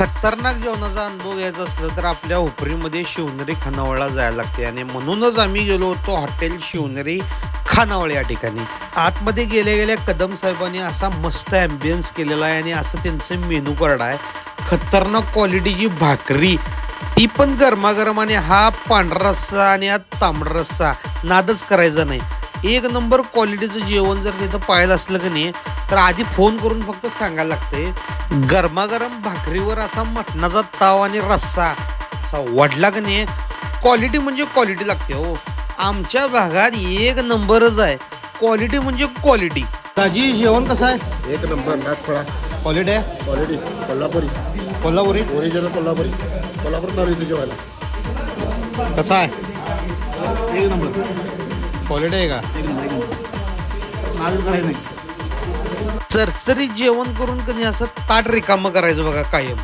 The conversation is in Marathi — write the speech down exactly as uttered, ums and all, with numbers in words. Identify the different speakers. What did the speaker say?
Speaker 1: खतरनाक जेवणाचा अनुभव घ्यायचा असलं तर आपल्या हुपरीमध्ये शिवनेरी खानावळला जायला लागते आणि म्हणूनच आम्ही गेलो होतो हॉटेल शिवनेरी खानावळ या ठिकाणी. आतमध्ये गेल्या गेल्या कदम साहेबांनी असा मस्त ॲम्बियन्स केलेला आहे आणि असं त्यांचं मेनू कार्ड आहे. खतरनाक क्वालिटीची भाकरी, ती पण गरमागरम, आणि हा पांढरा रस्सा आणि हा तांबडा रस्सा, नादच करायचा नाही. एक नंबर क्वालिटीचं जेवण जर तिथं पाहिलं असलं की नाही तर आधी फोन करून फक्त सांगायला लागते. गरमागरम भाकरीवर असा मटणाचा ताव आणि रस्सा असा वडला की नाही, क्वालिटी म्हणजे क्वालिटी लागते हो. आमच्या भागात एक नंबरच आहे, क्वालिटी म्हणजे क्वालिटी. ताजी जेवण कसं आहे?
Speaker 2: एक नंबर नाथ फळा
Speaker 1: क्वालिटी आहे,
Speaker 2: क्वालिटी कोल्हापुरी
Speaker 1: कोल्हापुरी
Speaker 2: ओरिजिनल कोल्हापुरी कोल्हापूर चालू इथे जेवायला.
Speaker 1: कसा आहे? एक नंबर क्वालिटी आहे का? चरचरीत जेवण करून कधी असं ताट रिकामं करायचं बघा कायम.